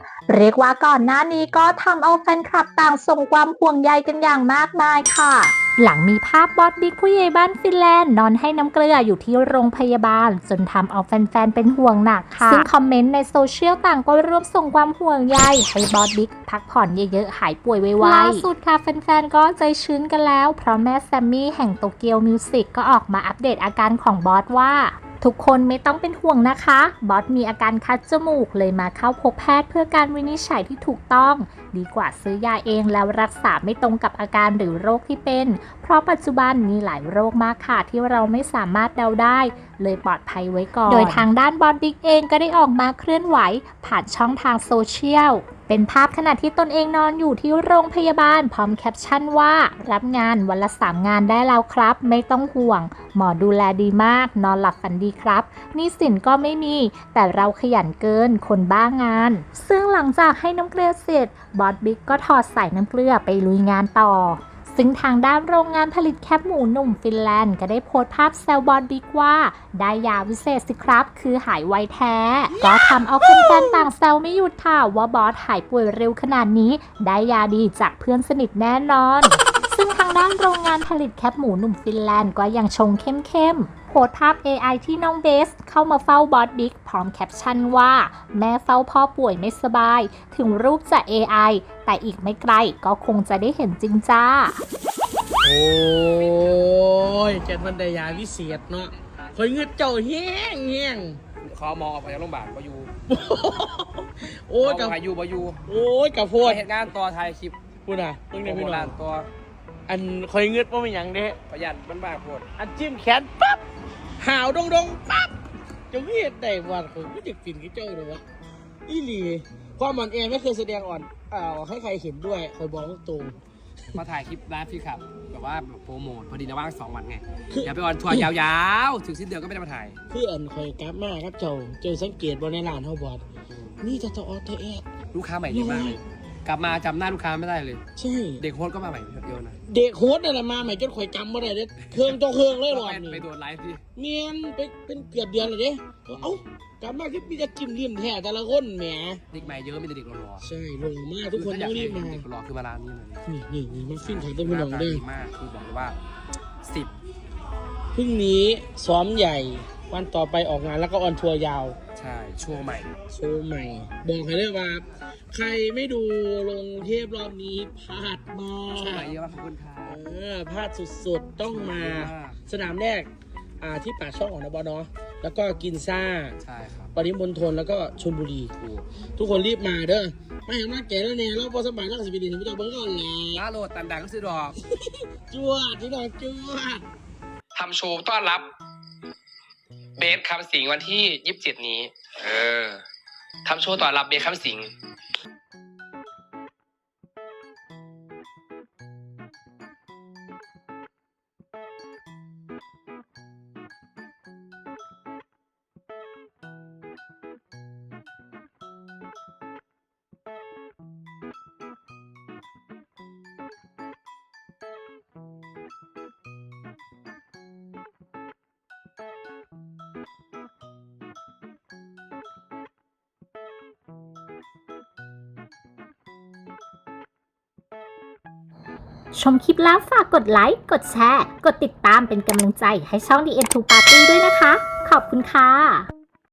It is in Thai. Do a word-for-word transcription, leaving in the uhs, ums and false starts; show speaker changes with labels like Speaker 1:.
Speaker 1: เรียกว่าก่อนหน้านี้ก็ทำเอาแฟนคลับต่างส่งความห่วงใยกันอย่างมากมายค่ะหลังมีภาพบอสบิ๊กผู้ใหญ่บ้านฟินแลนด์นอนให้น้ำเกลืออยู่ที่โรงพยาบาลจนทำเอาแฟนๆเป็นห่วงหนักค่ะซึ่งคอมเมนต์ในโซเชียลต่างก็ร่วมส่งความห่วงใยให้บอสบิ๊กพักผ่อนเยอะๆหายป่วยไวๆล่าสุดค่ะแฟนๆก็ใจชื้นกันแล้วเพราะแม่แซมมี่แห่งโตเกียวมิวสิกก็ออกมาอัปเดตอาการของบอสว่าทุกคนไม่ต้องเป็นห่วงนะคะบอสมีอาการคัดจมูกเลยมาเข้าพบแพทย์เพื่อการวินิจฉัยที่ถูกต้องดีกว่าซื้อยาเองแล้วรักษาไม่ตรงกับอาการหรือโรคที่เป็นเพราะปัจจุบันมีหลายโรคมากค่ะที่เราไม่สามารถเดาได้เลยปลอดภัยไว้ก่อนโดยทางด้านบอสบิ๊กเองก็ได้ออกมาเคลื่อนไหวผ่านช่องทางโซเชียลเป็นภาพขณะที่ตนเองนอนอยู่ที่โรงพยาบาลพร้อมแคปชั่นว่ารับงานวันละสามงานได้แล้วครับไม่ต้องห่วงหมอดูแลดีมากนอนหลับฝันดีครับหนี้สินก็ไม่มีแต่เราขยันเกินคนบ้างานซึ่งหลังจากให้น้ำเกลือเสร็จบอสบิ๊กก็ถอดสายน้ำเกลือไปลุยงานต่อซึ่งทางด้านโรงงานผลิตแคปหมูหนุ่มฟินแลนด์ก็ได้โพสต์ภาพแซวบอสบิ๊กว่าได้ยาวิเศษสิครับคือหายไวแท้ก็ทำเอาแฟนๆต่างแซวไม่หยุดค่ะว่าบอสหายป่วยเร็วขนาดนี้ได้ยาดีจากเพื่อนสนิทแน่นอนซึ่งทางด้านโรงงานผลิตแคปหมูหนุ่มฟินแลนด์ก็ยังชงเข้มๆโพสต์ภาพ เอ ไอ ที่น้องเบสเข้ามาเฝ้าบอสบิ๊กพร้อมแคปชั่นว่าแม่เฝ้าพ่อป่วยไม่สบายถึงรูปจะ เอ ไอ แต่อีกไม่ไกลก็คงจะได้เห็นจริงจ้า
Speaker 2: โอ้ยเจ็ดวันได้ยาวิเศษเนาะคอยเงือเจ้าแห้งแห้ง
Speaker 3: ขอหมอออกไปจากโรงพยาบาลบอยู่
Speaker 2: โอ้ย
Speaker 3: กับอายุบอยู่
Speaker 2: โอ้ยกับโพด
Speaker 3: เหตุการณ์ต่อไทยคลิป
Speaker 2: พูดนะเพิ่งได้พี่น้อง
Speaker 3: ตัว
Speaker 2: อันคอยเงือว่าเป็นอย่างเด้
Speaker 3: ประหยัดมันบ้าโพด
Speaker 2: อันจิ้มแขนปั๊บหาวดงดงปั๊บจะเวียดได้วันคอยไม่จะปิ่นกี่เจ้าเลยวะอีหลีความมันแอไม่เคยแสดงอ่อนอ่าให้ใครเห็นด้วยคอยบอกตรง
Speaker 3: มาถ่ายคลิปไลฟ์พี่ครับแบบว่าโปรโมทพอดีนะว่างสองวันไงอย่าไปออนทัวร์ยาวๆถึงสิ้นเดือนก็ไม่ได้มาถ่าย
Speaker 2: คืออันคอยกราฟมากครับเจ้าเจอสังเกตบนในร้านเฮาบอดนี่จะต่ออเทเอ
Speaker 3: ลูกค้าใหม่เยอะมากเลยกลับมาจำหน้าลูกค้าไม่ได้เลย
Speaker 2: ใช่
Speaker 3: เด็กโฮสก็มาใหม่เยอะนะ
Speaker 2: เด็กโฮสเนี่ยมาใหม่จนข่อยจำไม่ได้เด้เครื่องต่อเครื่องเลยหรอ
Speaker 3: ไปโดนไลฟ์พี่
Speaker 2: เนียนไปเป็นเกือบเดือนเลยเด้เอ้ากลับมาที่มีจะจิ้มริมแท้แต่ละคนแหม
Speaker 3: เด็กใหม่เยอะมีแต่เด็กรอ
Speaker 2: ใช่รอมากทุกคนต้องรีบมา
Speaker 3: เด็กรอคือมาร้านนี้เลย
Speaker 2: นี่นี่นี่มาฟินถ่ายต้นพี่น้องได้
Speaker 3: มากคือบอกเลยว่าสิบ
Speaker 2: พรุ่งนี้ซ้อมใหญ่วันต่อไปออกงานแล้วก็ออนทัวร์ยาว
Speaker 3: ใช่โชว์ใหม่
Speaker 2: โชว์ใหม่บอกให้เลยว่าใครไม่ดูลงเทพรอบนี้พลาดมาก
Speaker 3: โชว์ใหม่เยอะมากขอบคุณค่ะ
Speaker 2: เออพลาดสุดๆต้องมาสนามแรกอ่าที่ปากช่องของนบเนาะแล้วก็กินซ่า
Speaker 3: ใช่ครับ
Speaker 2: ปริมณฑลแล้วก็ชลบุรีทุกคนรีบมาเด้อไม่เห็นว่าแก่แล้วเนี่ยแล้วพอสมัยนักสิบินถึงจะเบิ้งก่อนแหละ
Speaker 3: ล่าโหลดตันดังก็ซื้อดอก
Speaker 2: จวดที่ดอกจวด
Speaker 3: ทำโชว์ต้อนรับเบสคำสิงวันที่ยี่สิบเจ็ดนี้เออทำโชว์ต้อนรับเบสคำสิง
Speaker 1: ชมคลิปแล้วฝากกดไลค์ กดแชร์ กดติดตามเป็นกำลังใจให้ช่อง ดี เอ็ม ทู Party ด้วยนะคะ ขอบคุณค่ะ